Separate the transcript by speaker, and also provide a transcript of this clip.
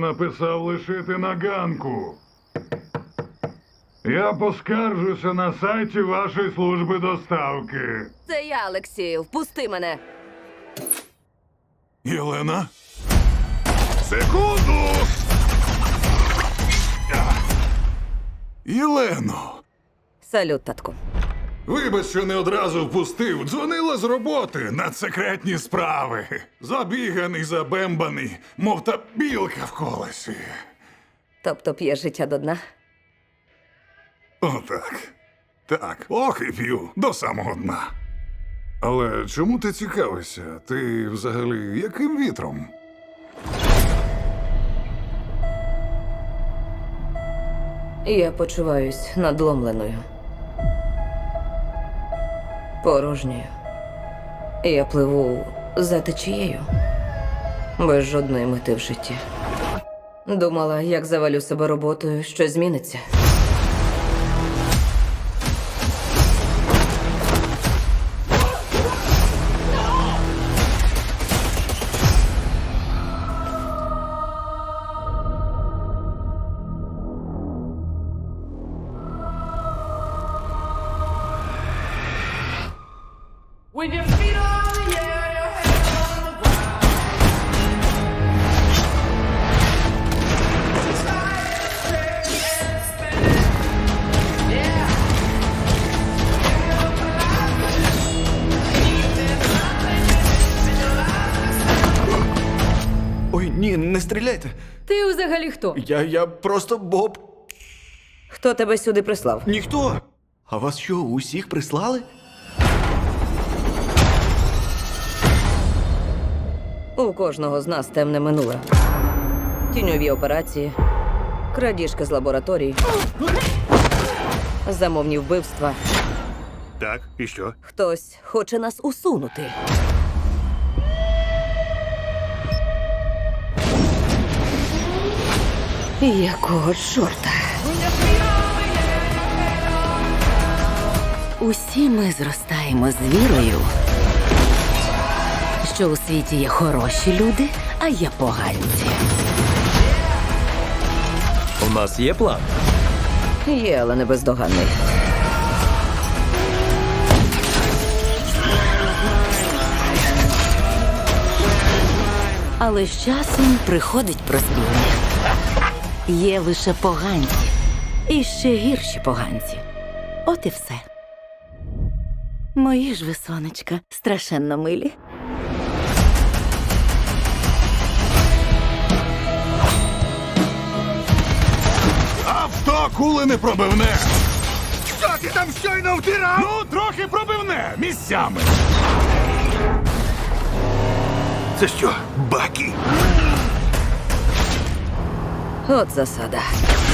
Speaker 1: написав лишити на ганку. Я поскаржуся на сайті вашої служби доставки.
Speaker 2: Це я, Олексію. Впусти мене.
Speaker 1: Єлена? Секунду! Єлено!
Speaker 2: Салют, татку.
Speaker 1: Вибач, що не одразу впустив. Дзвонила з роботи на секретні справи. Забіганий, забембаний, мов та білка в колесі.
Speaker 2: Тобто п'є життя до дна?
Speaker 1: Отак. Так, ох і п'ю до самого дна. Але чому ти цікавишся? Ти взагалі яким вітром?
Speaker 2: Я почуваюсь надломленою. Порожньою. Я пливу за течією. Без жодної мети в житті. Думала, як завалю себе роботою, щось зміниться.
Speaker 3: When your feet are in the air, your hands on the ground. Try to shake and spin. Yeah. Pick up the life. There's nothing in your life.
Speaker 4: Ой, ні, не стріляйте.
Speaker 2: Ти взагалі хто?
Speaker 4: Я просто Боб.
Speaker 2: Хто тебе сюди прислав?
Speaker 4: Ніхто. А вас що, усіх прислали?
Speaker 2: У кожного з нас темне минуле. Тіньові операції, крадіжки з лабораторій, замовні вбивства.
Speaker 5: Так, і що?
Speaker 2: Хтось хоче нас усунути. Якого чорта?
Speaker 6: Усі ми зростаємо з вірою, що у світі є хороші люди, а є поганці.
Speaker 7: У нас є план.
Speaker 2: Є, але не бездоганний.
Speaker 6: Але з часом приходить прозріння. Є лише поганці. І ще гірші поганці. От і все. Мої ж ви, сонечка, страшенно милі.
Speaker 1: Авто кули не пробивне!
Speaker 5: Що ти там щойно втирав?
Speaker 1: Ну, трохи пробивне місцями.
Speaker 5: Це що, баки?
Speaker 2: От засада.